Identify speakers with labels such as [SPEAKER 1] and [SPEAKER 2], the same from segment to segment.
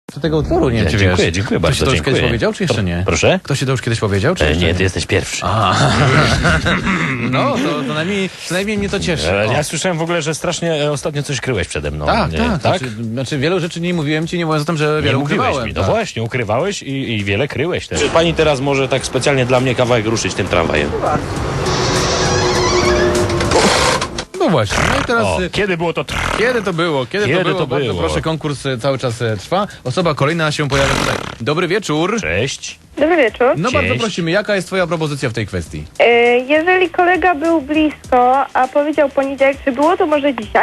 [SPEAKER 1] do tego utworu, nie wiem, czy
[SPEAKER 2] Dziękuję,
[SPEAKER 1] wiesz.
[SPEAKER 2] dziękuję
[SPEAKER 1] Ktoś
[SPEAKER 2] bardzo,
[SPEAKER 1] ci to już
[SPEAKER 2] dziękuję.
[SPEAKER 1] kiedyś powiedział, czy jeszcze nie?
[SPEAKER 2] Proszę?
[SPEAKER 1] Ktoś ci to już kiedyś powiedział, czy jeszcze
[SPEAKER 2] Nie, ty jesteś pierwszy.
[SPEAKER 1] No, to najmniej mnie to cieszy. O.
[SPEAKER 2] Ja słyszałem w ogóle, że strasznie ostatnio coś kryłeś przede mną.
[SPEAKER 1] Tak,
[SPEAKER 2] Nie,
[SPEAKER 1] tak. Znaczy wielu rzeczy nie mówiłem ci, nie mówiąc o tym, że wiele
[SPEAKER 2] Nie mówiłeś
[SPEAKER 1] ukrywałem.
[SPEAKER 2] mi. No
[SPEAKER 1] tak.
[SPEAKER 2] właśnie, ukrywałeś i wiele kryłeś też. Czy pani teraz może tak specjalnie dla mnie kawałek ruszyć tym tramwajem?
[SPEAKER 1] No właśnie, no i teraz...
[SPEAKER 2] O, kiedy było to?
[SPEAKER 1] Kiedy to było? Bardzo proszę, konkurs cały czas trwa. Osoba kolejna się pojawia tutaj. Dobry wieczór.
[SPEAKER 2] Cześć.
[SPEAKER 3] Dobry wieczór.
[SPEAKER 1] No
[SPEAKER 2] Cześć.
[SPEAKER 1] bardzo prosimy, jaka jest twoja propozycja w tej kwestii?
[SPEAKER 3] Jeżeli kolega był blisko, a powiedział poniedziałek, czy było to może dzisiaj?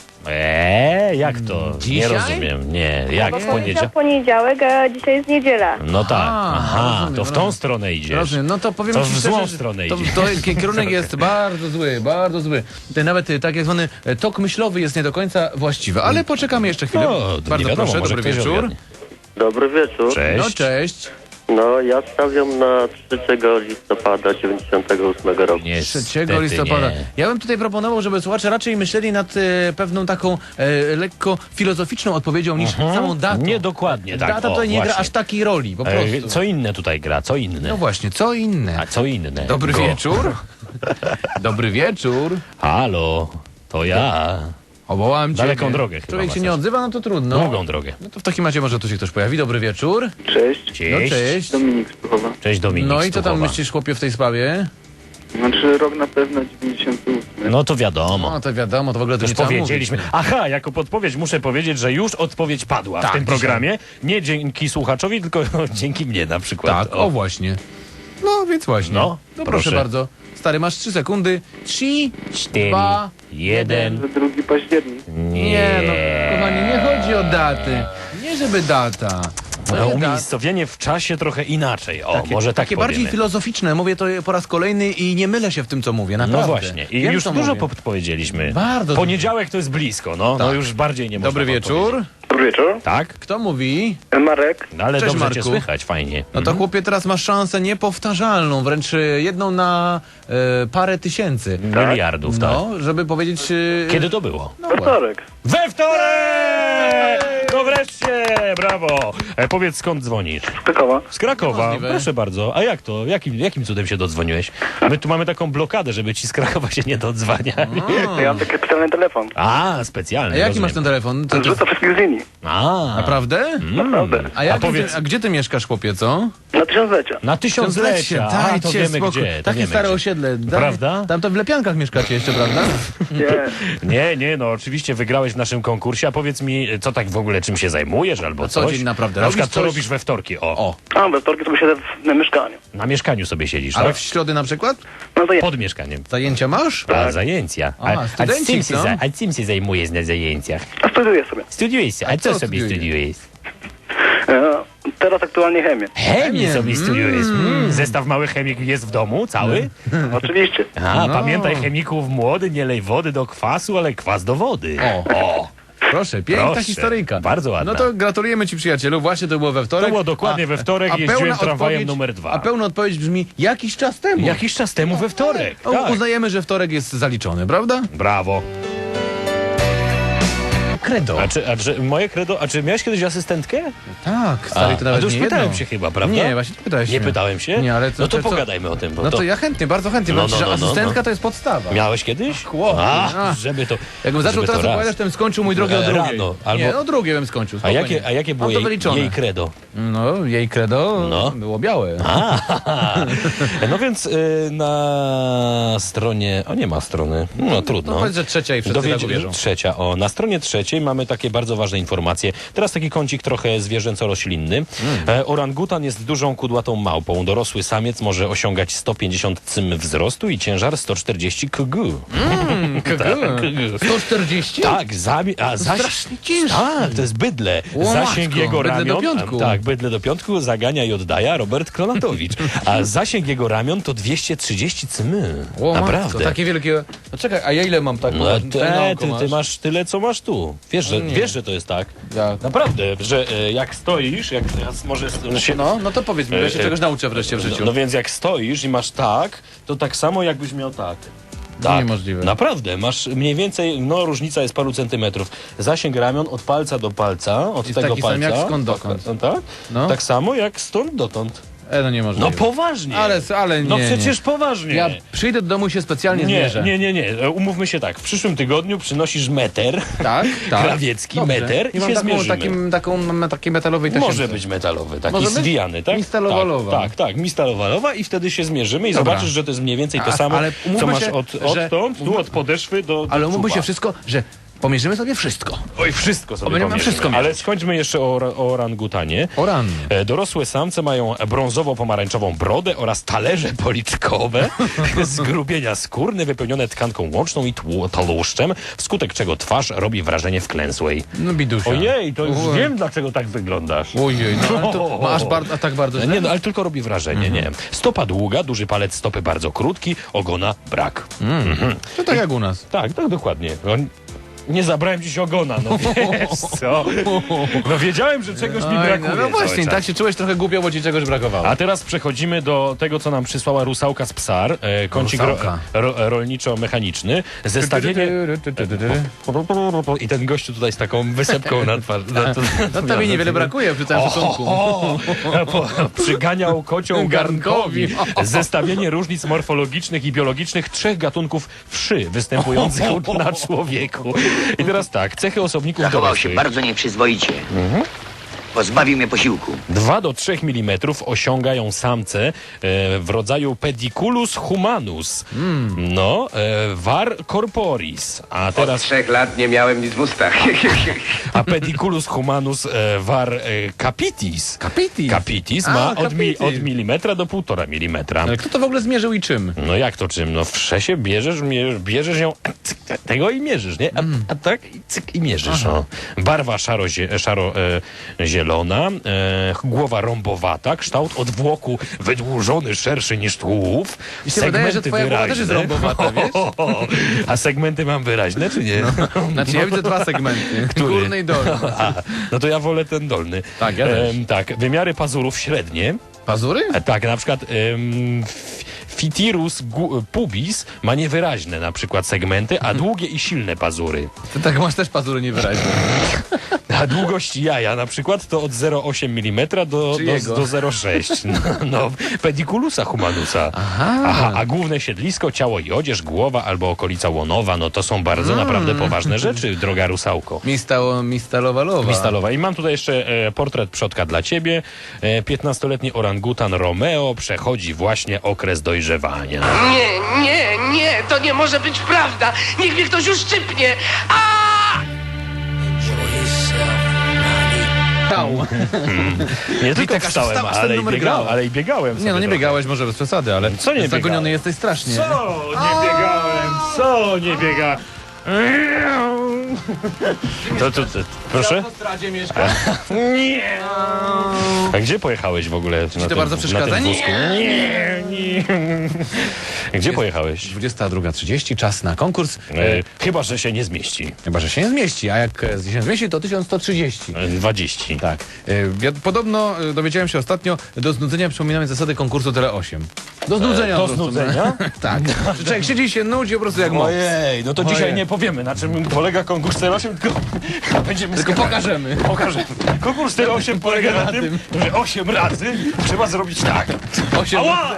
[SPEAKER 2] Jak to?
[SPEAKER 1] Dzisiaj?
[SPEAKER 2] Nie rozumiem. Nie, jak
[SPEAKER 3] Bo
[SPEAKER 2] w
[SPEAKER 3] powiedział
[SPEAKER 2] poniedziałek?
[SPEAKER 3] poniedziałek, a dzisiaj jest niedziela.
[SPEAKER 2] No tak. Aha,
[SPEAKER 1] rozumiem,
[SPEAKER 2] to w tą stronę idziesz.
[SPEAKER 1] Rozumiem, no to powiem
[SPEAKER 2] To
[SPEAKER 1] ci
[SPEAKER 2] w
[SPEAKER 1] szczerze,
[SPEAKER 2] złą
[SPEAKER 1] że
[SPEAKER 2] stronę
[SPEAKER 1] to,
[SPEAKER 2] idzie.
[SPEAKER 1] to kierunek jest bardzo zły, bardzo zły. Nawet tak zwany tok myślowy jest nie do końca właściwy, ale poczekamy jeszcze chwilę.
[SPEAKER 2] No, to
[SPEAKER 1] Bardzo
[SPEAKER 2] nie wiadomo,
[SPEAKER 1] proszę,
[SPEAKER 2] może
[SPEAKER 1] dobry
[SPEAKER 2] ktoś
[SPEAKER 1] wieczór.
[SPEAKER 2] ogarnie.
[SPEAKER 4] Dobry wieczór.
[SPEAKER 2] Cześć.
[SPEAKER 1] No cześć.
[SPEAKER 4] No, ja stawiam na 3 listopada 98 roku.
[SPEAKER 1] 3 listopada.
[SPEAKER 2] Nie.
[SPEAKER 1] Ja bym tutaj proponował, żeby słuchacze raczej myśleli nad pewną taką lekko filozoficzną odpowiedzią niż samą datą.
[SPEAKER 2] Niedokładnie tak.
[SPEAKER 1] Data
[SPEAKER 2] O,
[SPEAKER 1] tutaj nie gra
[SPEAKER 2] właśnie.
[SPEAKER 1] aż takiej roli, po prostu.
[SPEAKER 2] Co inne tutaj gra? Co inne?
[SPEAKER 1] No właśnie, co inne?
[SPEAKER 2] A co inne?
[SPEAKER 1] Dobry wieczór. Dobry wieczór.
[SPEAKER 2] Halo, to ja.
[SPEAKER 1] Owołałem cię.
[SPEAKER 2] Daleką drogę chyba
[SPEAKER 1] Człowiek się
[SPEAKER 2] masz.
[SPEAKER 1] nie odzywa, no to trudno.
[SPEAKER 2] Długą drogę.
[SPEAKER 1] No to w takim razie może tu się ktoś pojawi. Dobry wieczór.
[SPEAKER 5] Cześć,
[SPEAKER 1] No
[SPEAKER 2] Cześć.
[SPEAKER 1] cześć.
[SPEAKER 5] Dominik z Tuchowa.
[SPEAKER 2] Cześć Dominik.
[SPEAKER 1] No i co tam
[SPEAKER 2] Stuchowa.
[SPEAKER 1] myślisz, chłopie, w tej sprawie?
[SPEAKER 5] Znaczy rok na pewno 98.
[SPEAKER 2] No to wiadomo.
[SPEAKER 1] No to wiadomo, to w ogóle to
[SPEAKER 2] Już
[SPEAKER 1] nie trzeba
[SPEAKER 2] powiedzieliśmy.
[SPEAKER 1] mówić.
[SPEAKER 2] Aha, jako podpowiedź muszę powiedzieć, że już odpowiedź padła
[SPEAKER 1] Tak,
[SPEAKER 2] w tym
[SPEAKER 1] dzisiaj.
[SPEAKER 2] programie. Nie dzięki słuchaczowi, tylko dzięki mnie na przykład.
[SPEAKER 1] Tak, o właśnie. No więc właśnie.
[SPEAKER 2] No,
[SPEAKER 1] proszę
[SPEAKER 2] proszę.
[SPEAKER 1] bardzo. Stary, masz 3 sekundy. 3,
[SPEAKER 2] 4,
[SPEAKER 1] 2,
[SPEAKER 2] 1.
[SPEAKER 5] 2 październik.
[SPEAKER 1] Nie no, kochani, nie chodzi o daty. Nie żeby data.
[SPEAKER 2] No,
[SPEAKER 1] Nie
[SPEAKER 2] umiejscowienie w czasie trochę inaczej. O,
[SPEAKER 1] Takie,
[SPEAKER 2] może tak
[SPEAKER 1] takie bardziej
[SPEAKER 2] powiemy.
[SPEAKER 1] filozoficzne. Mówię to po raz kolejny i nie mylę się w tym, co mówię. Naprawdę.
[SPEAKER 2] No właśnie. I
[SPEAKER 1] Wiem,
[SPEAKER 2] już
[SPEAKER 1] co
[SPEAKER 2] dużo
[SPEAKER 1] mówię.
[SPEAKER 2] podpowiedzieliśmy.
[SPEAKER 1] Bardzo
[SPEAKER 2] Poniedziałek to jest blisko, no. No
[SPEAKER 1] Tak.
[SPEAKER 2] już bardziej nie można
[SPEAKER 1] Dobry wieczór.
[SPEAKER 2] podpowiedzieć.
[SPEAKER 5] Dobry wieczór.
[SPEAKER 2] Tak?
[SPEAKER 1] Kto mówi?
[SPEAKER 5] Marek.
[SPEAKER 2] No, ale
[SPEAKER 1] Cześć,
[SPEAKER 2] dobrze cię
[SPEAKER 1] Marku.
[SPEAKER 2] słychać, fajnie.
[SPEAKER 1] No to chłopie, teraz masz szansę niepowtarzalną, wręcz jedną na parę tysięcy.
[SPEAKER 2] Miliardów, tak.
[SPEAKER 1] No, żeby powiedzieć...
[SPEAKER 2] Kiedy to było?
[SPEAKER 1] No, właśnie.
[SPEAKER 5] Wtorek.
[SPEAKER 2] We wtorek! No wreszcie, brawo! Powiedz, skąd dzwonisz?
[SPEAKER 5] Z Krakowa.
[SPEAKER 2] Z Krakowa,
[SPEAKER 1] Możliwe.
[SPEAKER 2] proszę bardzo. A jak to? Jakim cudem się dodzwoniłeś? My tu mamy taką blokadę, żeby ci z Krakowa się nie dodzwaniali.
[SPEAKER 5] Ja mam taki specjalny telefon.
[SPEAKER 2] A, specjalny,
[SPEAKER 1] A jaki
[SPEAKER 2] rozumiem.
[SPEAKER 1] masz ten telefon?
[SPEAKER 5] Rzuca wszystkich z linii.
[SPEAKER 2] A,
[SPEAKER 1] Naprawdę?
[SPEAKER 5] Naprawdę.
[SPEAKER 1] A gdzie ty mieszkasz, chłopie, co?
[SPEAKER 5] Na tysiąclecia.
[SPEAKER 2] na tysiąclecia. A, to
[SPEAKER 1] Dajcie
[SPEAKER 2] wiemy
[SPEAKER 1] spokój.
[SPEAKER 2] gdzie. To
[SPEAKER 1] Takie
[SPEAKER 2] wiemy
[SPEAKER 1] stare
[SPEAKER 2] gdzie.
[SPEAKER 1] osiedle.
[SPEAKER 2] Prawda?
[SPEAKER 1] Tam to w Lepiankach mieszkacie jeszcze, prawda?
[SPEAKER 5] Nie.
[SPEAKER 2] No oczywiście wygrałeś w naszym konkursie, a powiedz mi, co tak w ogóle, czym się zajmujesz albo
[SPEAKER 1] co
[SPEAKER 2] coś?
[SPEAKER 1] dzień naprawdę
[SPEAKER 2] Na przykład,
[SPEAKER 1] robisz
[SPEAKER 2] co
[SPEAKER 1] coś?
[SPEAKER 2] robisz we wtorki? O,
[SPEAKER 5] A, we wtorki sobie siedzę na mieszkaniu.
[SPEAKER 2] na mieszkaniu sobie siedzisz,
[SPEAKER 1] Ale
[SPEAKER 2] tak?
[SPEAKER 1] w środy na przykład?
[SPEAKER 5] No to ja.
[SPEAKER 2] Pod mieszkaniem.
[SPEAKER 1] Zajęcia masz?
[SPEAKER 2] A, zajęcia.
[SPEAKER 1] studencik, no.
[SPEAKER 2] A czym się zajmujesz na zajęciach?
[SPEAKER 5] A studiuję sobie.
[SPEAKER 2] Studiujesz, a co
[SPEAKER 1] co
[SPEAKER 2] sobie
[SPEAKER 1] studiujesz?
[SPEAKER 2] studiujesz?
[SPEAKER 5] Teraz aktualnie chemię.
[SPEAKER 2] Chemię sobie studiujesz. Zestaw małych chemik jest w domu, cały?
[SPEAKER 5] Oczywiście.
[SPEAKER 2] A,
[SPEAKER 1] No.
[SPEAKER 2] pamiętaj chemików młody, nie lej wody do kwasu, ale kwas do wody.
[SPEAKER 1] O. Proszę, piękna
[SPEAKER 2] Proszę,
[SPEAKER 1] historyjka.
[SPEAKER 2] bardzo ładna.
[SPEAKER 1] No to gratulujemy ci, przyjacielu. Właśnie to było we wtorek.
[SPEAKER 2] To było dokładnie we wtorek,
[SPEAKER 1] pełna
[SPEAKER 2] jeździłem tramwajem
[SPEAKER 1] odpowiedź-
[SPEAKER 2] numer 2.
[SPEAKER 1] A pełna odpowiedź brzmi jakiś czas temu.
[SPEAKER 2] Jakiś czas temu we wtorek.
[SPEAKER 1] O,
[SPEAKER 2] Tak.
[SPEAKER 1] Uznajemy, że wtorek jest zaliczony, prawda?
[SPEAKER 2] Brawo.
[SPEAKER 1] Credo.
[SPEAKER 2] A czy moje credo, a czy miałeś kiedyś asystentkę?
[SPEAKER 1] Tak, stary, to
[SPEAKER 2] a
[SPEAKER 1] nawet
[SPEAKER 2] to już
[SPEAKER 1] nie
[SPEAKER 2] pytałem
[SPEAKER 1] jedno.
[SPEAKER 2] się chyba, prawda?
[SPEAKER 1] Nie, właśnie pytałeś
[SPEAKER 2] Nie
[SPEAKER 1] mnie.
[SPEAKER 2] pytałem się?
[SPEAKER 1] Nie, ale
[SPEAKER 2] no to
[SPEAKER 1] co?
[SPEAKER 2] pogadajmy o tym, bo
[SPEAKER 1] No
[SPEAKER 2] to...
[SPEAKER 1] to ja chętnie, bardzo chętnie,
[SPEAKER 2] No,
[SPEAKER 1] bo
[SPEAKER 2] no, no,
[SPEAKER 1] asystentka
[SPEAKER 2] no.
[SPEAKER 1] to jest podstawa.
[SPEAKER 2] Miałeś kiedyś?
[SPEAKER 1] Chłopie,
[SPEAKER 2] Żeby to...
[SPEAKER 1] Jakbym zaczął
[SPEAKER 2] żeby
[SPEAKER 1] teraz
[SPEAKER 2] to raz.
[SPEAKER 1] opowiadać, to bym skończył, mój drogi, o drugiej.
[SPEAKER 2] Rano, albo-
[SPEAKER 1] Nie, o drugiej bym skończył.
[SPEAKER 2] A
[SPEAKER 1] spokojnie.
[SPEAKER 2] jakie było
[SPEAKER 1] Mam to
[SPEAKER 2] jej
[SPEAKER 1] wyliczone.
[SPEAKER 2] credo?
[SPEAKER 1] No, jej credo
[SPEAKER 2] No.
[SPEAKER 1] było białe.
[SPEAKER 2] No więc na stronie... O, nie ma strony. No trudno.
[SPEAKER 1] No powiedz, że trzecia i wszyscy tak uwierzą.
[SPEAKER 2] Trzecia. O, na stronie trzeciej mamy takie bardzo ważne informacje. Teraz taki kącik trochę zwierzęco-roślinny. Orangutan jest dużą kudłatą małpą. Dorosły samiec może osiągać 150 cm wzrostu i ciężar 140 kg.
[SPEAKER 1] 140?
[SPEAKER 2] Tak,
[SPEAKER 1] strasznie ciężko.
[SPEAKER 2] Tak, to jest bydle.
[SPEAKER 1] O,
[SPEAKER 2] Zasięg
[SPEAKER 1] matko,
[SPEAKER 2] jego
[SPEAKER 1] bydle
[SPEAKER 2] ramion...
[SPEAKER 1] do piątku.
[SPEAKER 2] Tak, bydle do piątku zagania i oddaja Robert Kronatowicz. A zasięg jego ramion to 230 cm.
[SPEAKER 1] O,
[SPEAKER 2] Naprawdę.
[SPEAKER 1] matko, takie wielkie... No czekaj, a ja ile mam tak?
[SPEAKER 2] No, ty
[SPEAKER 1] masz?
[SPEAKER 2] masz tyle, co masz tu. Wiesz, że to jest tak.
[SPEAKER 1] Ja.
[SPEAKER 2] Naprawdę, że jak stoisz, jak teraz może się...
[SPEAKER 1] No to powiedz mi, bo ja się czegoś nauczę wreszcie w życiu.
[SPEAKER 2] No więc jak stoisz i masz tak, to tak samo jakbyś miał tak. Tak,
[SPEAKER 1] Niemożliwe.
[SPEAKER 2] naprawdę. Masz mniej więcej, no różnica jest paru centymetrów. Zasięg ramion od palca do palca, od
[SPEAKER 1] Jest
[SPEAKER 2] tego
[SPEAKER 1] taki
[SPEAKER 2] palca.
[SPEAKER 1] sam jak skąd dokąd.
[SPEAKER 2] Tak?
[SPEAKER 1] No.
[SPEAKER 2] Tak samo jak stąd dotąd.
[SPEAKER 1] No niemożliwe.
[SPEAKER 2] No poważnie.
[SPEAKER 1] Ale nie,
[SPEAKER 2] No przecież
[SPEAKER 1] nie.
[SPEAKER 2] poważnie.
[SPEAKER 1] Ja przyjdę do domu i się specjalnie
[SPEAKER 2] Nie,
[SPEAKER 1] zmierzę.
[SPEAKER 2] nie. Umówmy się tak. W przyszłym tygodniu przynosisz meter.
[SPEAKER 1] Tak, tak.
[SPEAKER 2] Krawiecki
[SPEAKER 1] Dobrze.
[SPEAKER 2] meter i
[SPEAKER 1] mam
[SPEAKER 2] się
[SPEAKER 1] taką,
[SPEAKER 2] zmierzymy.
[SPEAKER 1] takiej metalowej tasiemce.
[SPEAKER 2] Może być metalowy, taki
[SPEAKER 1] Może być?
[SPEAKER 2] zwijany, tak?
[SPEAKER 1] Mistalowalowa.
[SPEAKER 2] Tak, mistalowalowa i wtedy się zmierzymy i
[SPEAKER 1] Dobra.
[SPEAKER 2] zobaczysz, że to jest mniej więcej to samo,
[SPEAKER 1] ale
[SPEAKER 2] co
[SPEAKER 1] umówmy
[SPEAKER 2] masz
[SPEAKER 1] się, że-
[SPEAKER 2] odtąd, tu od podeszwy do
[SPEAKER 1] Ale umówmy
[SPEAKER 2] czupa.
[SPEAKER 1] się wszystko, że pomierzymy sobie wszystko.
[SPEAKER 2] Oj, wszystko sobie
[SPEAKER 1] Będziemy
[SPEAKER 2] pomierzymy.
[SPEAKER 1] wszystko
[SPEAKER 2] Ale
[SPEAKER 1] mierzyć.
[SPEAKER 2] skończmy jeszcze o orangutanie.
[SPEAKER 1] O rany.
[SPEAKER 2] Dorosłe samce mają brązowo-pomarańczową brodę oraz talerze policzkowe, zgrubienia skórne wypełnione tkanką łączną i tłuszczem, wskutek czego twarz robi wrażenie wklęsłej.
[SPEAKER 1] No bidusia.
[SPEAKER 2] Ojej, to już
[SPEAKER 1] Ojej.
[SPEAKER 2] wiem, dlaczego tak wyglądasz.
[SPEAKER 1] Ojej, no ale to masz a tak bardzo źle?
[SPEAKER 2] Nie, no, ale tylko robi wrażenie, nie. Stopa długa, duży palec stopy bardzo krótki, ogona brak.
[SPEAKER 1] To tak jak u nas.
[SPEAKER 2] Tak, dokładnie. Nie zabrałem dziś ogona, no wiesz co? No wiedziałem, że czegoś mi
[SPEAKER 1] Oj,
[SPEAKER 2] brakuje.
[SPEAKER 1] no właśnie,
[SPEAKER 2] cały czas.
[SPEAKER 1] tak się czułeś trochę głupio, bo ci czegoś brakowało.
[SPEAKER 2] A teraz przechodzimy do tego, co nam przysłała Rusałka z Psar, kącik
[SPEAKER 1] Rusałka.
[SPEAKER 2] rolniczo-mechaniczny. Zestawienie... I ten gościu tutaj z taką wysepką na twarzy.
[SPEAKER 1] No tobie niewiele brakuje przy całym szacunku.
[SPEAKER 2] Przyganiał kocią garnkowi. Zestawienie różnic morfologicznych i biologicznych 3 gatunków wszy występujących na człowieku. I teraz tak, cechy osobników
[SPEAKER 6] Zachował się
[SPEAKER 2] dorosłych.
[SPEAKER 6] bardzo nieprzyzwoicie. Pozbawił mnie posiłku.
[SPEAKER 2] 2 do 3 mm osiągają samce w rodzaju Pediculus humanus. No, var corporis. A
[SPEAKER 7] Od
[SPEAKER 2] teraz
[SPEAKER 7] 3 lat nie miałem nic w ustach.
[SPEAKER 2] a Pediculus humanus var capitis.
[SPEAKER 1] Capitis.
[SPEAKER 2] Capitis
[SPEAKER 1] A,
[SPEAKER 2] ma
[SPEAKER 1] capitis.
[SPEAKER 2] od milimetra do 1,5 milimetra.
[SPEAKER 1] Ale kto to w ogóle zmierzył i czym?
[SPEAKER 2] No jak to czym? No w szesie bierzesz ją, cyk, tego i mierzysz, nie? A tak i cyk i mierzysz. No. Barwa szaro-zielona, głowa rąbowata, kształt odwłoku wydłużony, szerszy niż tułów.
[SPEAKER 1] Mi się wydaje, że twoja głowa też jest rąbowata, wiesz?
[SPEAKER 2] A segmenty mam wyraźne, czy nie?
[SPEAKER 1] Znaczy ja widzę 2 segmenty.
[SPEAKER 2] Który?
[SPEAKER 1] Górny i dolny.
[SPEAKER 2] No to ja wolę ten dolny.
[SPEAKER 1] Tak, ja też.
[SPEAKER 2] Tak, wymiary pazurów średnie.
[SPEAKER 1] Pazury?
[SPEAKER 2] Tak, na przykład Fitirus pubis ma niewyraźne na przykład segmenty, a długie i silne pazury.
[SPEAKER 1] Ty tak masz też pazury niewyraźne.
[SPEAKER 2] A długość jaja na przykład to od 0,8 mm do
[SPEAKER 1] Czyjego?
[SPEAKER 2] 0,6. No, Pediculusa humanusa. Aha, a główne siedlisko, ciało i odzież, głowa albo okolica łonowa, no to są bardzo naprawdę poważne rzeczy, droga rusałko.
[SPEAKER 1] Mistalowalowa.
[SPEAKER 2] Mistalowa. I mam tutaj jeszcze portret przodka dla ciebie. 15-letni orangutan Romeo przechodzi właśnie okres dojrzewania.
[SPEAKER 8] Nie, to nie może być prawda. Niech mnie ktoś uszczypnie.
[SPEAKER 2] Nie tylko
[SPEAKER 1] Witek, aż
[SPEAKER 2] wstałem,
[SPEAKER 1] wstał, aż ten
[SPEAKER 2] ale,
[SPEAKER 1] numer grał.
[SPEAKER 2] ale i biegałem sobie
[SPEAKER 1] Nie, no nie
[SPEAKER 2] trochę.
[SPEAKER 1] biegałeś może bez przesady, ale
[SPEAKER 2] Co nie
[SPEAKER 1] zagoniony
[SPEAKER 2] biegałem?
[SPEAKER 1] jesteś strasznie.
[SPEAKER 2] Co nie biega? To, proszę?
[SPEAKER 1] W stradzie mieszka.
[SPEAKER 2] Nie. A gdzie pojechałeś w ogóle? Ci
[SPEAKER 1] to bardzo przeszkadza?
[SPEAKER 2] Nie. Gdzie pojechałeś?
[SPEAKER 1] 22:30, czas na konkurs.
[SPEAKER 2] Chyba, że się nie zmieści.
[SPEAKER 1] Chyba, że się nie zmieści, a jak się zmieści, to 1130.
[SPEAKER 2] 20.
[SPEAKER 1] Tak. Podobno dowiedziałem się ostatnio, do znudzenia przypominamy zasady konkursu Tele 8. Do znudzenia.
[SPEAKER 2] do
[SPEAKER 1] po prostu.
[SPEAKER 2] znudzenia?
[SPEAKER 1] Tak. Że człowiek siedzi i się nudzi po prostu jak moc.
[SPEAKER 2] Ojej, no to
[SPEAKER 1] Ojej.
[SPEAKER 2] dzisiaj nie powiemy, na czym polega konkurs 08, tylko będziemy
[SPEAKER 1] Tylko
[SPEAKER 2] skakać.
[SPEAKER 1] pokażemy.
[SPEAKER 2] Pokażemy. Konkurs 08 polega na tym, że 8 razy trzeba zrobić tak.
[SPEAKER 1] 8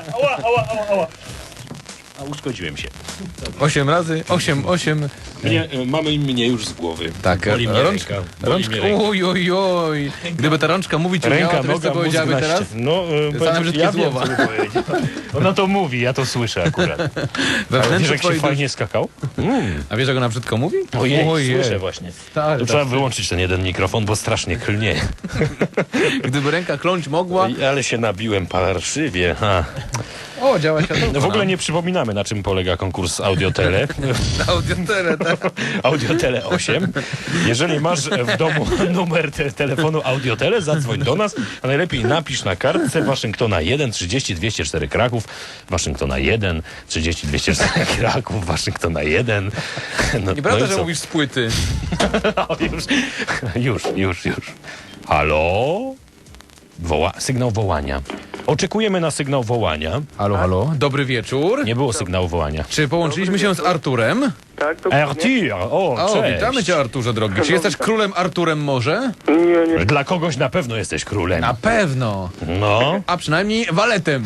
[SPEAKER 2] A uszkodziłem się.
[SPEAKER 1] 8 razy, 8.
[SPEAKER 2] Mamy mnie już z głowy.
[SPEAKER 1] Tak,
[SPEAKER 2] Boli mnie
[SPEAKER 1] rączka.
[SPEAKER 2] Boli mnie ręka.
[SPEAKER 1] Oj. Gdyby ta rączka mówić umiała, to wiesz co powiedziałaby
[SPEAKER 2] mózg na
[SPEAKER 1] teraz?
[SPEAKER 2] ścian. No,
[SPEAKER 1] Same brzydkie
[SPEAKER 2] ja wiem,
[SPEAKER 1] słowa.
[SPEAKER 2] co by powiedział. Ona to mówi, ja to słyszę akurat. Ale wiesz,
[SPEAKER 1] Wewnętrznie
[SPEAKER 2] jak się
[SPEAKER 1] twojej
[SPEAKER 2] fajnie skakał?
[SPEAKER 1] A wiesz, jak ona brzydko mówi?
[SPEAKER 2] Ojej, słyszę właśnie.
[SPEAKER 1] Tak,
[SPEAKER 2] To trzeba wyłączyć ten jeden mikrofon, bo strasznie klnie.
[SPEAKER 1] Gdyby ręka kląć mogła...
[SPEAKER 2] Ale się nabiłem parszywie. Ha.
[SPEAKER 1] O, działa światło.
[SPEAKER 2] No w ogóle nie przypominamy, na czym polega konkurs Audiotele.
[SPEAKER 1] Audiotele, tak.
[SPEAKER 2] Audiotele 8. Jeżeli masz w domu numer telefonu Audiotele, zadzwoń do nas, a najlepiej napisz na kartce Waszyngtona 1 30 204 Kraków, Waszyngtona 1 30 204 Kraków, Waszyngtona 1. No,
[SPEAKER 1] Nieprawda,
[SPEAKER 2] i
[SPEAKER 1] że
[SPEAKER 2] co?
[SPEAKER 1] mówisz z płyty.
[SPEAKER 2] O, już. Halo? Sygnał wołania. Oczekujemy na sygnał wołania.
[SPEAKER 1] Halo, halo. Dobry wieczór.
[SPEAKER 2] Nie było sygnału wołania.
[SPEAKER 1] Czy połączyliśmy się z Arturem?
[SPEAKER 5] Tak, dokładnie.
[SPEAKER 2] Artur! O,
[SPEAKER 1] O,
[SPEAKER 2] cześć.
[SPEAKER 1] witamy cię, Arturze drogi. Czy jesteś królem Arturem może?
[SPEAKER 5] Nie.
[SPEAKER 2] Dla kogoś na pewno jesteś królem.
[SPEAKER 1] Na pewno.
[SPEAKER 2] No,
[SPEAKER 1] A przynajmniej waletem.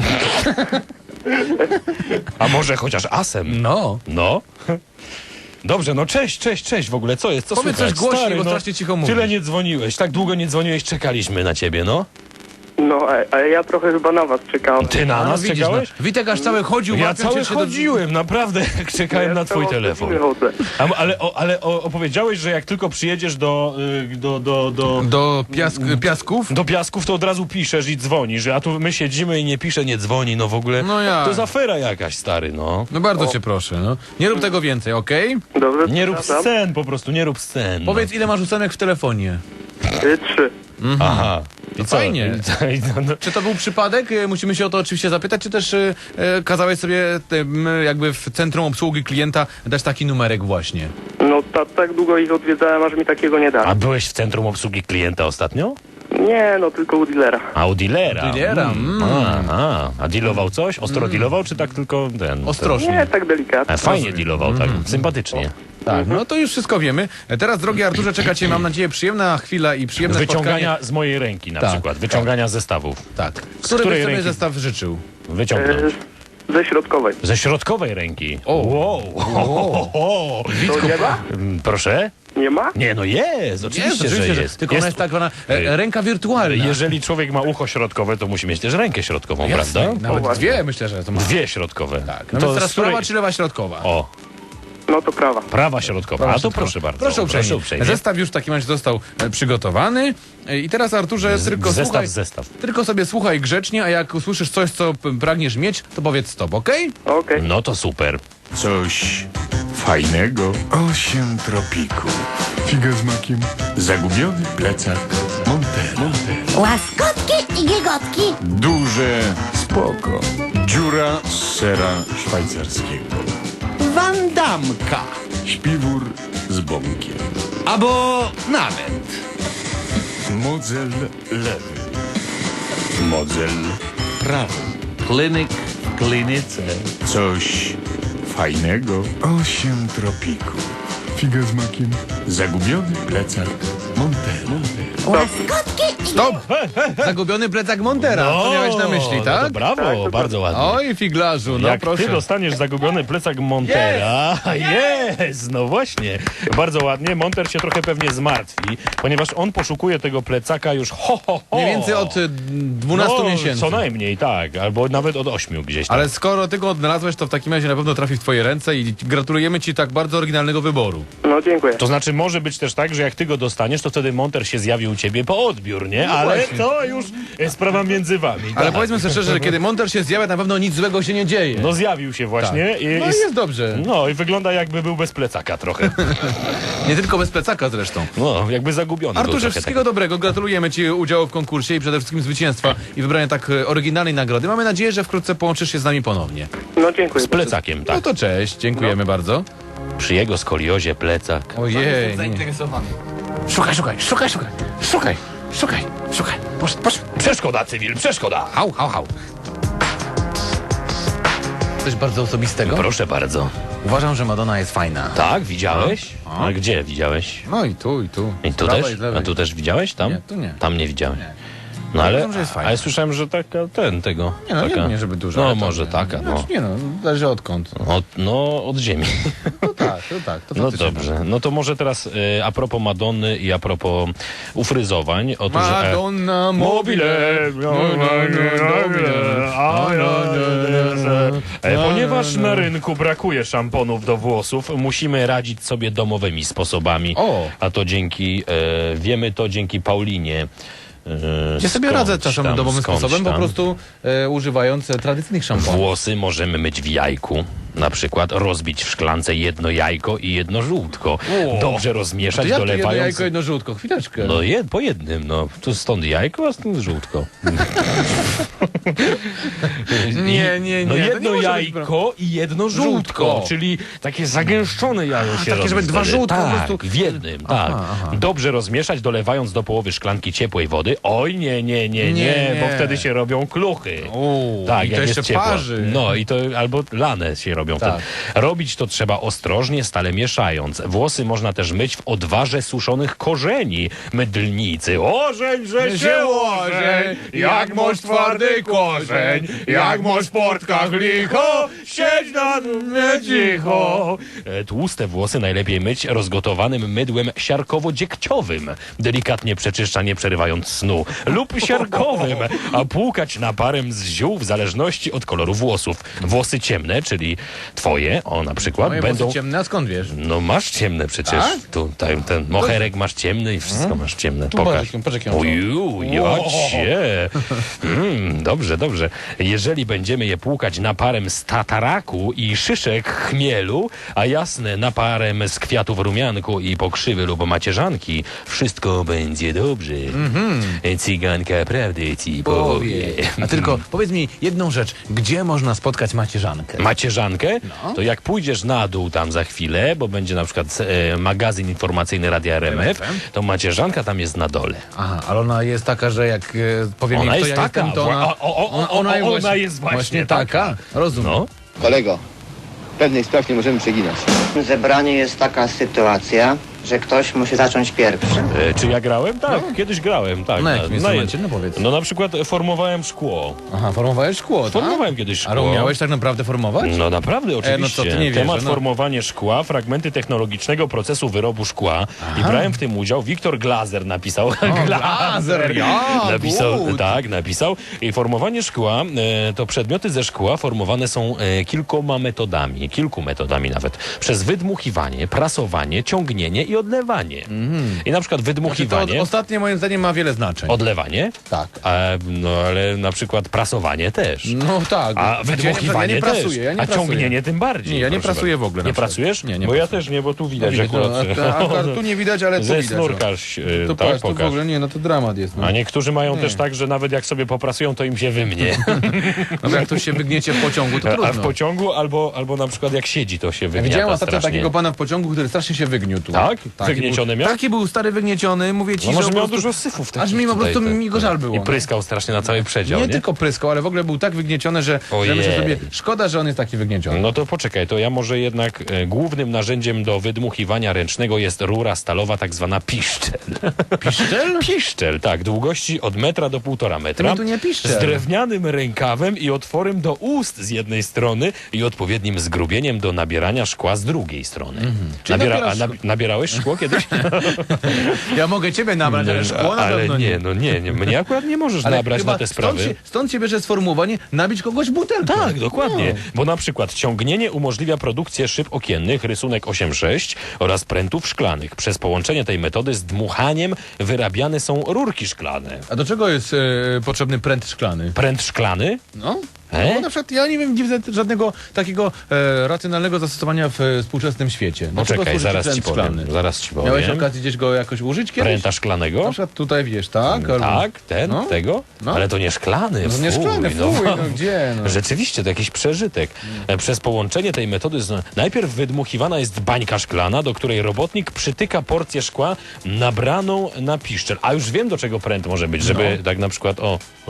[SPEAKER 2] a może chociaż asem.
[SPEAKER 1] No.
[SPEAKER 2] No. Dobrze, no cześć w ogóle, co jest, co
[SPEAKER 1] Powiedz
[SPEAKER 2] słychać?
[SPEAKER 1] coś głośniej,
[SPEAKER 2] Stary,
[SPEAKER 1] bo
[SPEAKER 2] no,
[SPEAKER 1] strasznie cicho mówisz.
[SPEAKER 2] Tyle nie dzwoniłeś, tak długo nie dzwoniłeś, czekaliśmy na ciebie, no.
[SPEAKER 5] No, a ja trochę chyba na was czekałem.
[SPEAKER 2] Ty na
[SPEAKER 1] A,
[SPEAKER 2] nas
[SPEAKER 1] widzisz,
[SPEAKER 2] czekałeś?
[SPEAKER 1] no. Witek aż cały chodził.
[SPEAKER 2] Ja
[SPEAKER 1] łapiąc
[SPEAKER 2] cały
[SPEAKER 1] się do-
[SPEAKER 2] chodziłem, naprawdę, jak czekałem na twój telefon. Ale opowiedziałeś, że jak tylko przyjedziesz do
[SPEAKER 1] Do piasków?
[SPEAKER 2] do Piasków, to od razu piszesz i dzwonisz, a tu my siedzimy i nie pisze, nie dzwoni, no w ogóle.
[SPEAKER 1] No ja.
[SPEAKER 2] To jest afera jakaś, stary, no.
[SPEAKER 1] No bardzo cię proszę, no. Nie rób tego więcej, okej?
[SPEAKER 5] Dobrze,
[SPEAKER 2] Nie rób
[SPEAKER 5] przepraszam.
[SPEAKER 2] scen, po prostu, nie rób scen. No.
[SPEAKER 1] Powiedz, ile masz ósemek w telefonie?
[SPEAKER 5] 3.
[SPEAKER 2] Aha. I co?
[SPEAKER 1] Fajnie.
[SPEAKER 2] No,
[SPEAKER 1] Czy to był przypadek? Musimy się o to oczywiście zapytać, czy też kazałeś sobie jakby w centrum obsługi klienta dać taki numerek właśnie?
[SPEAKER 5] No, tak długo ich odwiedzałem, aż mi takiego nie da.
[SPEAKER 2] A byłeś w centrum obsługi klienta ostatnio?
[SPEAKER 5] Nie, no, tylko u dealera.
[SPEAKER 2] A u dealera.
[SPEAKER 1] U dealera,
[SPEAKER 2] Aha. A dealował coś? Ostro dealował, czy tak tylko ten?
[SPEAKER 1] Ostrożnie.
[SPEAKER 5] Nie, tak delikatnie.
[SPEAKER 2] Fajnie dealował, tak. Sympatycznie.
[SPEAKER 1] Tak, no to już wszystko wiemy. Teraz, drogi Arturze, czeka cię, mam nadzieję, przyjemna chwila i przyjemne
[SPEAKER 2] Wyciągania z mojej ręki na
[SPEAKER 1] Tak,
[SPEAKER 2] przykład. Wyciągania zestawów.
[SPEAKER 1] spotkanie. Tak.
[SPEAKER 2] Z
[SPEAKER 1] Który
[SPEAKER 2] której
[SPEAKER 1] byś sobie
[SPEAKER 2] ręki?
[SPEAKER 1] zestaw życzył?
[SPEAKER 2] Wyciągnąć.
[SPEAKER 5] Ze środkowej.
[SPEAKER 2] Ze środkowej ręki.
[SPEAKER 1] O.
[SPEAKER 2] Wow.
[SPEAKER 5] To nie ma?
[SPEAKER 2] Proszę?
[SPEAKER 5] Nie ma?
[SPEAKER 2] Nie, no jest, oczywiście, że jest.
[SPEAKER 1] Tylko ona jest tak zwana ręka wirtualna.
[SPEAKER 2] Jeżeli człowiek ma ucho środkowe, to musi mieć też rękę środkową,
[SPEAKER 1] Jasne,
[SPEAKER 2] prawda?
[SPEAKER 1] nawet
[SPEAKER 5] właśnie.
[SPEAKER 1] dwie, myślę, że to ma.
[SPEAKER 2] Dwie środkowe.
[SPEAKER 1] Tak. No
[SPEAKER 2] To
[SPEAKER 1] więc teraz
[SPEAKER 2] z której-
[SPEAKER 1] prawa czy lewa środkowa?
[SPEAKER 2] O,
[SPEAKER 5] No to prawa.
[SPEAKER 2] prawa środkowa. A to proszę bardzo.
[SPEAKER 1] Proszę uprzejmie. Zestaw już w takim razie został przygotowany. I teraz, Arturze, tylko słuchaj,
[SPEAKER 2] Zestaw.
[SPEAKER 1] tylko sobie słuchaj grzecznie, a jak usłyszysz coś, co pragniesz mieć, to powiedz stop, okej?
[SPEAKER 5] Okej.
[SPEAKER 2] No to super.
[SPEAKER 9] Coś fajnego. 8 tropików. Figa z makiem. Zagubiony plecak Montero.
[SPEAKER 10] Łaskotki i giegotki.
[SPEAKER 9] Duże spoko. Dziura z sera szwajcarskiego.
[SPEAKER 10] Wandamka.
[SPEAKER 9] Śpiwór z bąkiem.
[SPEAKER 10] Albo nawet.
[SPEAKER 9] Modzel lewy. Modzel prawy.
[SPEAKER 10] Klinik w klinice.
[SPEAKER 9] Coś fajnego. 8 tropików. Figa z makiem. Zagubiony plecak Montero.
[SPEAKER 10] Łaskotki i
[SPEAKER 1] Stop! Zagubiony plecak Montera. To miałeś na myśli,
[SPEAKER 2] No
[SPEAKER 1] tak?
[SPEAKER 2] to brawo, bardzo ładnie.
[SPEAKER 1] Oj, figlarzu, no
[SPEAKER 2] Jak
[SPEAKER 1] proszę.
[SPEAKER 2] ty dostaniesz zagubiony plecak Montera, jest, no właśnie, bardzo ładnie, Monter się trochę pewnie zmartwi, ponieważ on poszukuje tego plecaka już
[SPEAKER 1] Mniej więcej od 12 miesięcy.
[SPEAKER 2] Co najmniej, tak, albo nawet od 8 gdzieś tam.
[SPEAKER 1] Ale skoro ty go odnalazłeś, to w takim razie na pewno trafi w twoje ręce i gratulujemy ci tak bardzo oryginalnego wyboru.
[SPEAKER 5] No, dziękuję.
[SPEAKER 2] To znaczy może być też tak, że jak ty go dostaniesz, to wtedy Monter się zjawi u ciebie po odbiór, nie? Ale
[SPEAKER 1] właśnie.
[SPEAKER 2] to już jest sprawa między wami.
[SPEAKER 1] Ale
[SPEAKER 2] tak.
[SPEAKER 1] powiedzmy sobie szczerze, że kiedy Monter się zjawia, na pewno nic złego się nie dzieje.
[SPEAKER 2] No zjawił się właśnie.
[SPEAKER 1] Tak. No i jest dobrze.
[SPEAKER 2] No i wygląda jakby był bez plecaka trochę.
[SPEAKER 1] Nie tylko bez plecaka zresztą.
[SPEAKER 2] No, jakby zagubiony był
[SPEAKER 1] Arturze,
[SPEAKER 2] trochę
[SPEAKER 1] wszystkiego dobrego. Gratulujemy ci udziału w konkursie i przede wszystkim zwycięstwa i wybrania tak oryginalnej nagrody. Mamy nadzieję, że wkrótce połączysz się z nami ponownie.
[SPEAKER 5] No, dziękuję.
[SPEAKER 2] Z plecakiem, tak.
[SPEAKER 1] No to cześć, dziękujemy bardzo.
[SPEAKER 2] Przy jego skoliozie plecak.
[SPEAKER 1] Ojej. Szukaj. Posz.
[SPEAKER 2] Przeszkoda, cywil, przeszkoda.
[SPEAKER 1] Hał. Coś bardzo osobistego.
[SPEAKER 2] Proszę bardzo.
[SPEAKER 1] Uważam, że Madonna jest fajna.
[SPEAKER 2] Tak, widziałeś?
[SPEAKER 1] A?
[SPEAKER 2] A gdzie widziałeś?
[SPEAKER 1] No i tu.
[SPEAKER 2] I tu
[SPEAKER 1] Z prawej,
[SPEAKER 2] też?
[SPEAKER 1] z lewej.
[SPEAKER 2] A tu też widziałeś? Tam?
[SPEAKER 1] Nie, tu nie.
[SPEAKER 2] Tam nie widziałem.
[SPEAKER 1] Nie.
[SPEAKER 2] No ale,
[SPEAKER 1] Uważam, że jest fajna.
[SPEAKER 2] ale słyszałem, że taka, tego.
[SPEAKER 1] Nie no,
[SPEAKER 2] taka,
[SPEAKER 1] nie żeby dużo.
[SPEAKER 2] No
[SPEAKER 1] ale to
[SPEAKER 2] może
[SPEAKER 1] nie.
[SPEAKER 2] taka, no.
[SPEAKER 1] Znaczy, nie no, zależy odkąd.
[SPEAKER 2] Od ziemi.
[SPEAKER 1] To tak. To
[SPEAKER 2] No
[SPEAKER 1] faktycznie
[SPEAKER 2] dobrze. No to może teraz a propos Madonny i a propos ufryzowań. Otóż,
[SPEAKER 1] Madonna mobile.
[SPEAKER 2] Ponieważ na rynku brakuje szamponów do włosów, musimy radzić sobie domowymi sposobami.
[SPEAKER 1] O.
[SPEAKER 2] A to dzięki, wiemy to dzięki Paulinie.
[SPEAKER 1] Ja sobie radzę czasem
[SPEAKER 2] tam,
[SPEAKER 1] domowym
[SPEAKER 2] skądś
[SPEAKER 1] sposobem, po
[SPEAKER 2] tam.
[SPEAKER 1] prostu używając tradycyjnych szamponów.
[SPEAKER 2] Włosy możemy myć w jajku. Na przykład rozbić w szklance jedno jajko i jedno żółtko. Dobrze
[SPEAKER 1] To
[SPEAKER 2] rozmieszać,
[SPEAKER 1] jak to jedno
[SPEAKER 2] dolewając...
[SPEAKER 1] jajko, jedno żółtko? Chwileczkę.
[SPEAKER 2] No po jednym, no. Tu stąd jajko, a stąd żółtko.
[SPEAKER 1] Nie.
[SPEAKER 2] No
[SPEAKER 1] to nie
[SPEAKER 2] jedno
[SPEAKER 1] może być
[SPEAKER 2] jajko i jedno żółtko, czyli takie zagęszczone jajo się
[SPEAKER 1] takie,
[SPEAKER 2] robi.
[SPEAKER 1] żeby dwa
[SPEAKER 2] wtedy.
[SPEAKER 1] żółtka po
[SPEAKER 2] Tak,
[SPEAKER 1] prostu-
[SPEAKER 2] w jednym, tak. Dobrze rozmieszać, dolewając do połowy szklanki ciepłej wody. Oj, nie, bo wtedy się robią kluchy. Tak,
[SPEAKER 1] i to
[SPEAKER 2] jak
[SPEAKER 1] jeszcze
[SPEAKER 2] jest ciepło.
[SPEAKER 1] parzy.
[SPEAKER 2] No i to albo lane się robią
[SPEAKER 1] Tak.
[SPEAKER 2] wtedy. Robić to trzeba ostrożnie, stale mieszając. Włosy można też myć w odwarze suszonych korzeni. Mydlnicy. Ożeń, że się ożeń, jak masz twardy korzeń, jak masz w portkach licho, siedź na mnie cicho. Tłuste włosy najlepiej myć rozgotowanym mydłem siarkowo-dziegciowym. Delikatnie przeczyszcza, nie przerywając snu. Lub siarkowym, a płukać naparem z ziół w zależności od koloru włosów. Włosy ciemne, czyli twoje, na przykład,
[SPEAKER 1] Moje
[SPEAKER 2] będą...
[SPEAKER 1] włosy ciemne, a skąd wiesz?
[SPEAKER 2] No masz ciemne przecież.
[SPEAKER 1] Tak?
[SPEAKER 2] Tutaj ten moherek masz ciemny i wszystko masz ciemne. Pokaż.
[SPEAKER 1] patrz, jak ją
[SPEAKER 2] Oju, jacie. Dobrze. Jeżeli będziemy je płukać naparem z tataraku i szyszek chmielu, a jasne naparem z kwiatów rumianku i pokrzywy lub macierzanki, wszystko będzie dobrze. Cyganka prawdę ci powie.
[SPEAKER 1] A tylko powiedz mi jedną rzecz. Gdzie można spotkać macierzankę?
[SPEAKER 2] Macierzankę, to jak pójdziesz na dół tam za chwilę, bo będzie na przykład magazyn informacyjny Radia RMF, to macierzanka tam jest na dole.
[SPEAKER 1] Aha, ale ona jest taka, że jak powiem
[SPEAKER 2] Ona
[SPEAKER 1] jej, kto
[SPEAKER 2] jest
[SPEAKER 1] ja
[SPEAKER 2] taka.
[SPEAKER 1] jestem, to ona
[SPEAKER 2] jest właśnie
[SPEAKER 1] taka. Rozumiem.
[SPEAKER 2] No.
[SPEAKER 7] Kolego, pewnych spraw nie możemy przeginać.
[SPEAKER 6] W zebraniu jest taka sytuacja, że ktoś musi zacząć pierwszy.
[SPEAKER 2] Czy ja grałem? Tak, kiedyś grałem. Tak,
[SPEAKER 1] Na jakim instrumencie? No powiedz.
[SPEAKER 2] No na przykład formowałem szkło.
[SPEAKER 1] Aha, formowałeś szkło, tak?
[SPEAKER 2] Formowałem kiedyś szkło.
[SPEAKER 1] Ale umiałeś tak naprawdę formować?
[SPEAKER 2] No naprawdę, oczywiście.
[SPEAKER 1] no co, ty nie
[SPEAKER 2] Temat
[SPEAKER 1] wierzę, no.
[SPEAKER 2] formowanie szkła, fragmenty technologicznego procesu wyrobu szkła. I brałem w tym udział. Wiktor Glazer napisał.
[SPEAKER 1] Glazer, ja,
[SPEAKER 2] napisał,
[SPEAKER 1] good.
[SPEAKER 2] tak, napisał. I formowanie szkła, to przedmioty ze szkła formowane są kilku metodami nawet. Przez wydmuchiwanie, prasowanie, ciągnienie i odlewanie. I na przykład
[SPEAKER 1] Znaczy,
[SPEAKER 2] wydmuchiwanie...
[SPEAKER 1] to ostatnie moim zdaniem ma wiele znaczeń.
[SPEAKER 2] Odlewanie?
[SPEAKER 1] Tak.
[SPEAKER 2] No ale na przykład prasowanie też.
[SPEAKER 1] No tak.
[SPEAKER 2] A wydmuchiwanie
[SPEAKER 1] ja nie
[SPEAKER 2] też.
[SPEAKER 1] prasuję, ja nie
[SPEAKER 2] A
[SPEAKER 1] prasuję.
[SPEAKER 2] ciągnienie tym bardziej.
[SPEAKER 1] Nie, ja nie
[SPEAKER 2] proszę
[SPEAKER 1] prasuję
[SPEAKER 2] bardzo.
[SPEAKER 1] w ogóle na
[SPEAKER 2] Nie
[SPEAKER 1] przykład.
[SPEAKER 2] prasujesz?
[SPEAKER 1] Nie
[SPEAKER 2] Bo
[SPEAKER 1] prasuję.
[SPEAKER 2] ja też nie, bo tu widać
[SPEAKER 1] Widać,
[SPEAKER 2] akurat.
[SPEAKER 1] tu nie widać, ale tu
[SPEAKER 2] Ze
[SPEAKER 1] widać.
[SPEAKER 2] snurkarz,
[SPEAKER 1] To
[SPEAKER 2] tak,
[SPEAKER 1] patrz, tu w
[SPEAKER 2] pokaż.
[SPEAKER 1] ogóle nie, no to dramat jest. No.
[SPEAKER 2] A niektórzy mają też tak, że nawet jak sobie poprasują, to im się wymnie.
[SPEAKER 1] No bo jak ktoś się wygniecie w pociągu, to trudno.
[SPEAKER 2] A w pociągu albo na przykład jak siedzi, to się
[SPEAKER 1] Ja
[SPEAKER 2] wygniata
[SPEAKER 1] widziałem ostatnio
[SPEAKER 2] strasznie.
[SPEAKER 1] takiego pana w pociągu, który strasznie się wygniótł.
[SPEAKER 2] Tak? Wygnieciony miał?
[SPEAKER 1] Taki był stary wygnieciony, mówię ci,
[SPEAKER 2] No może
[SPEAKER 1] że
[SPEAKER 2] miał
[SPEAKER 1] po prostu,
[SPEAKER 2] dużo syfów takich
[SPEAKER 1] aż mi po
[SPEAKER 2] tutaj,
[SPEAKER 1] prostu
[SPEAKER 2] tak.
[SPEAKER 1] mi go żal było.
[SPEAKER 2] I
[SPEAKER 1] no.
[SPEAKER 2] pryskał strasznie na cały przedział,
[SPEAKER 1] Nie
[SPEAKER 2] nie?
[SPEAKER 1] tylko pryskał, ale w ogóle był tak wygnieciony, że
[SPEAKER 2] Ojej.
[SPEAKER 1] myślę sobie, szkoda, że on jest taki wygnieciony.
[SPEAKER 2] No to poczekaj, to ja może jednak głównym narzędziem do wydmuchiwania ręcznego jest rura stalowa, tak zwana piszczel.
[SPEAKER 1] Piszczel?
[SPEAKER 2] Piszczel, tak, długości od 1 do 1,5 metra.
[SPEAKER 1] To tu nie piszczel.
[SPEAKER 2] Z drewnianym rękawem i otworem do ust z jednej strony i odpowiednim zgrubieniem do nabierania szkła z drugiej strony.
[SPEAKER 1] Czyli nabierasz
[SPEAKER 2] Nabierałeś szkło kiedyś?
[SPEAKER 1] Ja mogę ciebie nabrać, ale szkło na
[SPEAKER 2] ale
[SPEAKER 1] pewno
[SPEAKER 2] nie. Mnie akurat nie możesz
[SPEAKER 1] Ale
[SPEAKER 2] nabrać
[SPEAKER 1] chyba
[SPEAKER 2] na te sprawy.
[SPEAKER 1] Stąd się bierze sformułowanie nabić kogoś butelką.
[SPEAKER 2] Tak, dokładnie.
[SPEAKER 1] No.
[SPEAKER 2] Bo na przykład ciągnienie umożliwia produkcję szyb okiennych, rysunek 8.6 oraz prętów szklanych. Przez połączenie tej metody z dmuchaniem wyrabiane są rurki szklane.
[SPEAKER 1] A do czego jest potrzebny pręt szklany?
[SPEAKER 2] Pręt szklany?
[SPEAKER 1] No. No, na przykład ja nie wiem, nie widzę żadnego takiego racjonalnego zastosowania w współczesnym świecie. Do czego
[SPEAKER 2] Poczekaj,
[SPEAKER 1] służy
[SPEAKER 2] zaraz
[SPEAKER 1] pręt
[SPEAKER 2] ci powiem.
[SPEAKER 1] szklany?
[SPEAKER 2] Zaraz ci
[SPEAKER 1] Miałeś
[SPEAKER 2] powiem.
[SPEAKER 1] okazję gdzieś go jakoś użyć kiedyś?
[SPEAKER 2] Pręta szklanego?
[SPEAKER 1] Na przykład tutaj wiesz, tak? Albo...
[SPEAKER 2] Tak,
[SPEAKER 1] No.
[SPEAKER 2] tego?
[SPEAKER 1] No.
[SPEAKER 2] Ale to nie szklany.
[SPEAKER 1] No to nie szklany, fuj, no gdzie, no.
[SPEAKER 2] Rzeczywiście, to jakiś przeżytek. Przez połączenie tej metody najpierw wydmuchiwana jest bańka szklana, do której robotnik przytyka porcję szkła nabraną na piszczel. A już wiem, do czego pręt może być, żeby tak na przykład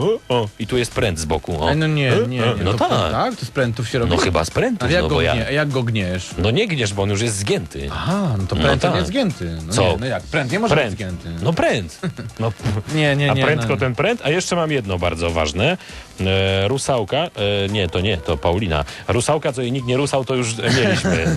[SPEAKER 2] i tu jest pręt z boku.
[SPEAKER 1] No nie.
[SPEAKER 2] No
[SPEAKER 1] to
[SPEAKER 2] tak.
[SPEAKER 1] pręt, tak? To z prętów się robi?
[SPEAKER 2] No chyba z prętów,
[SPEAKER 1] Ale jak,
[SPEAKER 2] no
[SPEAKER 1] go
[SPEAKER 2] bo ja...
[SPEAKER 1] jak go gniesz?
[SPEAKER 2] No nie gniesz, bo on już jest zgięty.
[SPEAKER 1] Aha, no to pręt
[SPEAKER 2] tak.
[SPEAKER 1] nie jest zgięty. No
[SPEAKER 2] Co?
[SPEAKER 1] Nie, no jak? Pręt nie może
[SPEAKER 2] Pręt.
[SPEAKER 1] być zgięty.
[SPEAKER 2] No pręt. No,
[SPEAKER 1] Nie.
[SPEAKER 2] a pręt
[SPEAKER 1] no.
[SPEAKER 2] to ten pręt. A jeszcze mam jedno bardzo ważne. Rusałka, to Paulina. Rusałka, co jej nikt nie rusał, to już mieliśmy.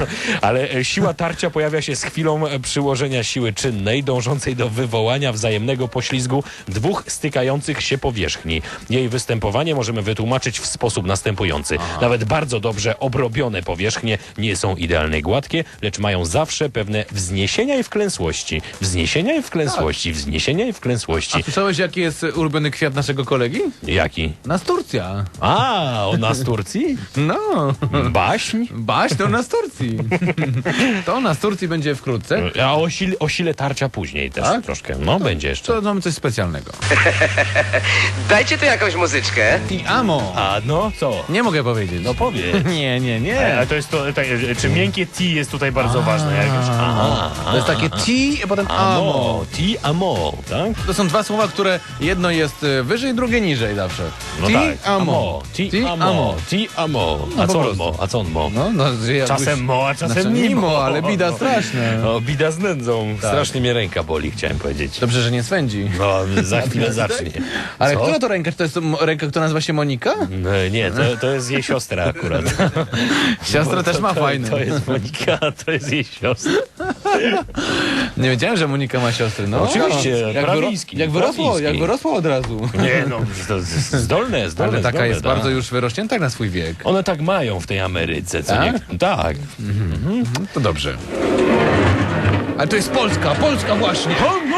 [SPEAKER 2] Ale siła tarcia pojawia się z chwilą przyłożenia siły czynnej, dążącej do wywołania wzajemnego poślizgu dwóch stykających się powierzchni. Jej występowanie możemy wytłumaczyć w sposób następujący. Nawet bardzo dobrze obrobione powierzchnie nie są idealnie gładkie, lecz mają zawsze pewne wzniesienia i wklęsłości. Wzniesienia i wklęsłości, wzniesienia i wklęsłości.
[SPEAKER 1] A słyszałeś, jaki jest ulubiony kwiat naszego kolegi?
[SPEAKER 2] Jaki?
[SPEAKER 1] Nasturcja.
[SPEAKER 2] A, ona z Turcji?
[SPEAKER 1] No.
[SPEAKER 2] Baśń?
[SPEAKER 1] Baś to Nasturcji. To Nasturcji będzie wkrótce.
[SPEAKER 2] A o sile tarcia później też
[SPEAKER 1] Tak?
[SPEAKER 2] troszkę. No, będzie jeszcze.
[SPEAKER 1] To mamy coś specjalnego.
[SPEAKER 8] Dajcie tu jakąś muzyczkę.
[SPEAKER 1] Ti amo.
[SPEAKER 2] A no, co?
[SPEAKER 1] Nie mogę powiedzieć.
[SPEAKER 2] No powiedz.
[SPEAKER 1] Nie.
[SPEAKER 11] A to jest to, czy miękkie T jest tutaj bardzo ważne jakoś?
[SPEAKER 1] To jest takie ti, a potem amo.
[SPEAKER 2] Ti amo, tak?
[SPEAKER 1] To są dwa słowa, które jedno jest wyżej, drugie niżej zawsze.
[SPEAKER 2] No
[SPEAKER 1] ti,
[SPEAKER 2] tak.
[SPEAKER 1] amo.
[SPEAKER 2] Ti amo. Ti amo.
[SPEAKER 1] No
[SPEAKER 2] A
[SPEAKER 1] po
[SPEAKER 2] co on
[SPEAKER 1] prostu.
[SPEAKER 2] mo? A co on mo?
[SPEAKER 1] No, że jakbyś-
[SPEAKER 11] Czasem mo, a czasem
[SPEAKER 1] Znaczy,
[SPEAKER 11] mimo.
[SPEAKER 1] ale bida straszna.
[SPEAKER 2] No, bida z nędzą. Strasznie mnie ręka boli, chciałem powiedzieć.
[SPEAKER 1] Dobrze, że nie swędzi.
[SPEAKER 2] No, za chwilę zacznie.
[SPEAKER 1] Ale
[SPEAKER 2] Co?
[SPEAKER 1] która to ręka? Czy to jest ręka, która nazywa się Monika?
[SPEAKER 2] No, nie, to jest jej siostra akurat.
[SPEAKER 1] Siostra też ma fajne.
[SPEAKER 2] To jest Monika, to jest jej siostra.
[SPEAKER 1] Nie wiedziałem, że Monika ma siostry. No,
[SPEAKER 2] Oczywiście,
[SPEAKER 1] jak,
[SPEAKER 2] Prawiński,
[SPEAKER 1] jak
[SPEAKER 2] Prawiński.
[SPEAKER 1] wyrosło od razu.
[SPEAKER 2] Nie, no, to zdolne.
[SPEAKER 1] Ale taka
[SPEAKER 2] zdolne,
[SPEAKER 1] jest
[SPEAKER 2] tak.
[SPEAKER 1] bardzo już wyrośnięta jak na swój wiek.
[SPEAKER 2] One tak mają w tej Ameryce, co
[SPEAKER 1] Tak?
[SPEAKER 2] nie? Tak.
[SPEAKER 1] To dobrze. Ale to jest Polska właśnie.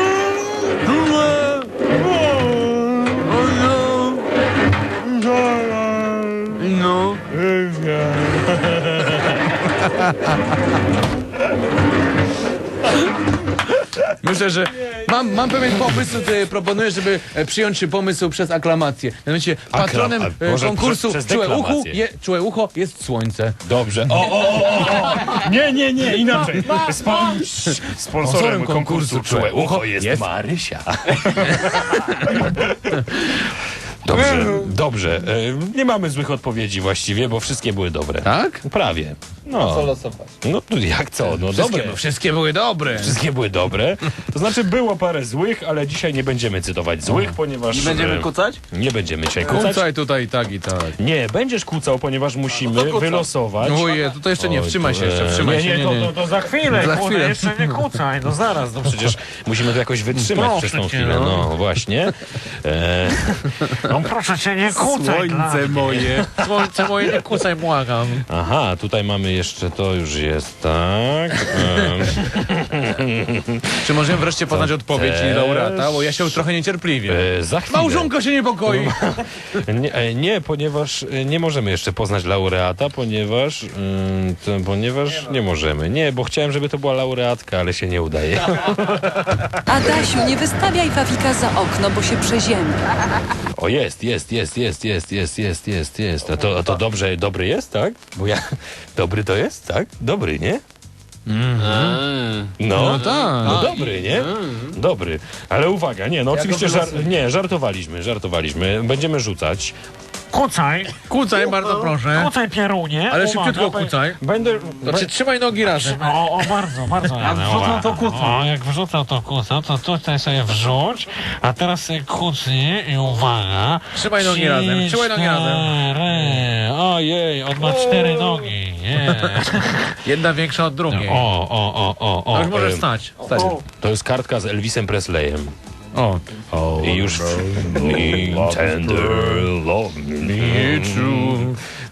[SPEAKER 1] No. Myślę, że mam pewien pomysł, proponuję, żeby przyjąć pomysł przez aklamację. Mianowicie patronem
[SPEAKER 2] może
[SPEAKER 1] konkursu
[SPEAKER 2] przez
[SPEAKER 1] Czułe
[SPEAKER 2] deklamację.
[SPEAKER 1] ucho jest słońce.
[SPEAKER 2] Dobrze.
[SPEAKER 11] Nie, inaczej. Sponsorem konkursu Czułe Ucho jest
[SPEAKER 2] Marysia. Dobrze. Nie mamy złych odpowiedzi właściwie, bo wszystkie były dobre.
[SPEAKER 1] Tak?
[SPEAKER 2] Prawie. No.
[SPEAKER 1] losować?
[SPEAKER 2] No jak co? No dobre.
[SPEAKER 1] Wszystkie były dobre.
[SPEAKER 2] Wszystkie były dobre. To znaczy było parę złych, ale dzisiaj nie będziemy cytować złych, ponieważ...
[SPEAKER 11] Nie będziemy kucać?
[SPEAKER 2] Nie będziemy dzisiaj kucać.
[SPEAKER 1] Kucaj tutaj i tak i tak.
[SPEAKER 2] Nie, będziesz kucał, ponieważ musimy wylosować...
[SPEAKER 1] Ojej, to jeszcze nie,
[SPEAKER 2] Oj,
[SPEAKER 1] wstrzymaj
[SPEAKER 2] to,
[SPEAKER 1] się jeszcze, wstrzymaj się.
[SPEAKER 11] To za chwilę,
[SPEAKER 1] Za chwilę.
[SPEAKER 11] jeszcze nie kucaj, no zaraz. No
[SPEAKER 2] Przecież musimy to jakoś wytrzymać
[SPEAKER 11] Proszę
[SPEAKER 2] przez tą
[SPEAKER 11] cię,
[SPEAKER 2] chwilę.
[SPEAKER 11] no.
[SPEAKER 2] No właśnie.
[SPEAKER 11] No proszę cię, nie kucaj.
[SPEAKER 1] Słońce moje, nie kucaj, błagam.
[SPEAKER 2] Aha, tutaj mamy jeszcze, to już jest, tak.
[SPEAKER 1] Czy możemy wreszcie poznać odpowiedź
[SPEAKER 2] też.
[SPEAKER 1] laureata? Bo ja się trochę niecierpliwie.
[SPEAKER 2] Za chwilę.
[SPEAKER 1] Małżonka się niepokoi.
[SPEAKER 2] Nie, ponieważ nie możemy jeszcze poznać laureata, ponieważ nie możemy. Nie, bo chciałem, żeby to była laureatka, ale się nie udaje.
[SPEAKER 12] Adasiu, nie wystawiaj Fafika za okno, bo się przeziębi.
[SPEAKER 2] O, jest. A to dobrze, dobry jest, tak? Bo ja... Dobry to jest, tak? Dobry, nie? No
[SPEAKER 1] tak.
[SPEAKER 2] No dobry, nie? Dobry. Ale uwaga, nie, no oczywiście żartowaliśmy. Będziemy rzucać.
[SPEAKER 1] Kucaj, bardzo proszę.
[SPEAKER 11] Kucaj, Pierunie.
[SPEAKER 1] Ale szybciutko kucaj.
[SPEAKER 2] Będę...
[SPEAKER 1] Znaczy, trzymaj nogi razem.
[SPEAKER 11] O, bardzo. Jak wrzucał to kucał. Jak wrzucał to kucał, to tutaj sobie wrzuć, a teraz sobie kucnij i uwaga.
[SPEAKER 1] Trzymaj nogi razem, trzymaj nogi razem.
[SPEAKER 11] Ojej, on ma 4 nogi. Nie.
[SPEAKER 1] Jedna większa od drugiej.
[SPEAKER 2] O.
[SPEAKER 1] Już możesz stać.
[SPEAKER 2] To jest kartka z Elvisem Presleyem.
[SPEAKER 1] O.
[SPEAKER 2] I już... Tender love me true.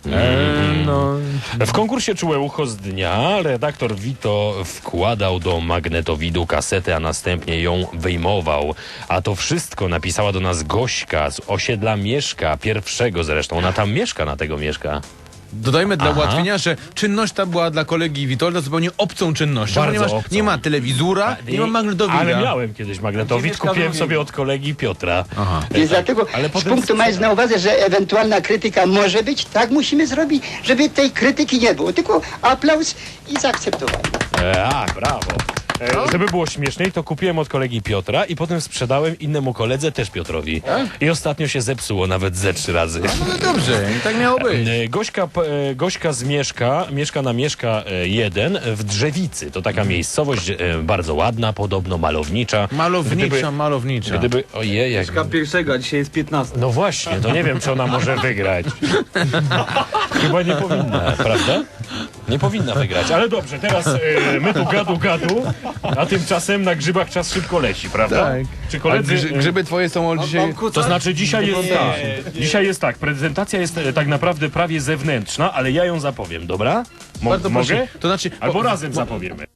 [SPEAKER 2] W konkursie Czułe Ucho z dnia redaktor Vito wkładał do magnetowidu kasetę, a następnie ją wyjmował. A to wszystko napisała do nas Gośka z osiedla Mieszka, pierwszego zresztą. Ona tam mieszka, na tego mieszka.
[SPEAKER 1] Dodajmy dla ułatwienia, że czynność ta była dla kolegi Witolda zupełnie obcą czynnością,
[SPEAKER 2] Bardzo
[SPEAKER 1] ponieważ
[SPEAKER 2] obcą.
[SPEAKER 1] nie ma telewizora, nie ma magnetowida.
[SPEAKER 2] Ale miałem kiedyś magnetowid, kupiłem sobie od kolegi Piotra.
[SPEAKER 6] Więc dlatego
[SPEAKER 2] Ale
[SPEAKER 6] z
[SPEAKER 2] potem
[SPEAKER 6] punktu mając na uwadze, że ewentualna krytyka może być, tak musimy zrobić, żeby tej krytyki nie było, tylko aplauz i zaakceptowanie.
[SPEAKER 2] Brawo. Żeby było śmieszniej, to kupiłem od kolegi Piotra i potem sprzedałem innemu koledze, też Piotrowi. I ostatnio się zepsuło nawet ze 3 razy.
[SPEAKER 1] No dobrze, i tak miało być.
[SPEAKER 2] Gośka z mieszka na Mieszka 1 w Drzewicy. To taka miejscowość bardzo ładna, podobno malownicza.
[SPEAKER 1] Malownicza.
[SPEAKER 2] Gdyby, ojej, jak...
[SPEAKER 11] Pierwszego, a dzisiaj jest 15.
[SPEAKER 2] No właśnie, to nie wiem, czy ona może wygrać. Chyba nie powinna, prawda? Nie powinna wygrać, ale dobrze, teraz my tu gadu, a tymczasem na grzybach czas szybko leci, prawda?
[SPEAKER 1] Tak.
[SPEAKER 2] Czy koledzy...
[SPEAKER 1] Grzyby twoje są od dzisiaj...
[SPEAKER 2] To znaczy dzisiaj jest tak, prezentacja jest tak naprawdę prawie zewnętrzna, ale ja ją zapowiem, dobra?
[SPEAKER 1] Bardzo
[SPEAKER 2] Mogę?
[SPEAKER 1] proszę. To znaczy...
[SPEAKER 2] Albo razem zapowiemy.